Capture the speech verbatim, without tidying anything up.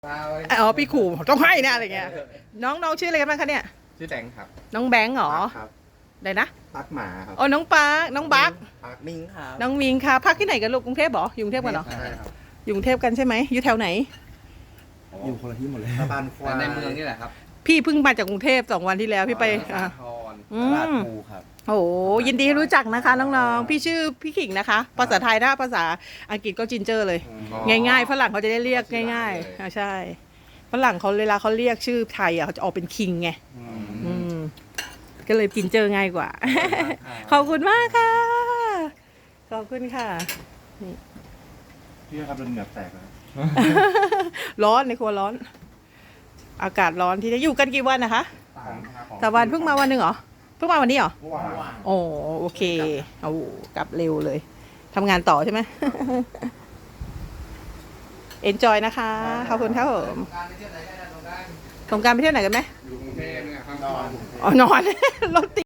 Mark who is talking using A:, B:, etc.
A: อ๋อพี่ขู่ต้องให้นะอะไรเงี้ยน้องน้องชื่ออะไรกันบ้างคะเนี่ย
B: ชื่อแดงครับ
A: น้องแบงค์เหรอ
B: ครับ
A: ไหนนะ
B: ปักหมาครับ
A: อ๋อน้องปาร์คน้องบัก
B: ปักมิงครับ
A: น้องมิงค่ะพักที่ไหนกันลูกกรุงเทพเหรออยู่กรุงเทพกันเหรอ
B: ใช่ครับ
A: อยู่กรุงเทพกันใช่ไหมอยู่แถวไหน
B: อยู่คนละที่หมดเลยตะบานควายในเมืองนี่แหละครับ
A: พี่เพิ่งมาจากกรุงเทพสองวันที่แล้วพี่ไปอ่า
B: ตลาดภูครับ
A: โอ้ยินดีรู้จักนะคะน้องๆพี่ชื่อพี่ขิงนะคะภาษาไทยถ้าภาษาอังกฤษก็จินเจอร์เลยง่ายๆฝรั่งเขาจะได้เรียกง่ายๆอ่าใช่ฝรั่งเขาเวลาเขาเรียกชื่อไทยอ่ะเขาจะออกเป็นคิงไงอืมก็เลยจินเจอร์ง่ายกว่าขอบคุณมากค่ะขอบคุณค่ะนี่
B: พี่ครับโดนเหงื่อแตกแล้ว
A: ร้อนในครัวร้อนอากาศร้อนที่จะอยู่กันกี่วันนะคะแต่วันเพิ่งมาวันหนึ่งเหรอเพิ่งมาวันนี้เหรอโอ้โอเคเอากลับเร็วเลยทำงานต่อใช่ไหมเอนจอยนะคะขอบคุณครับผมสงกรานต์ไปเที่ยวไหนกันไหม
B: อยู่กรุงเทพเนี่ยครับ
A: อ๋อนอนรถติด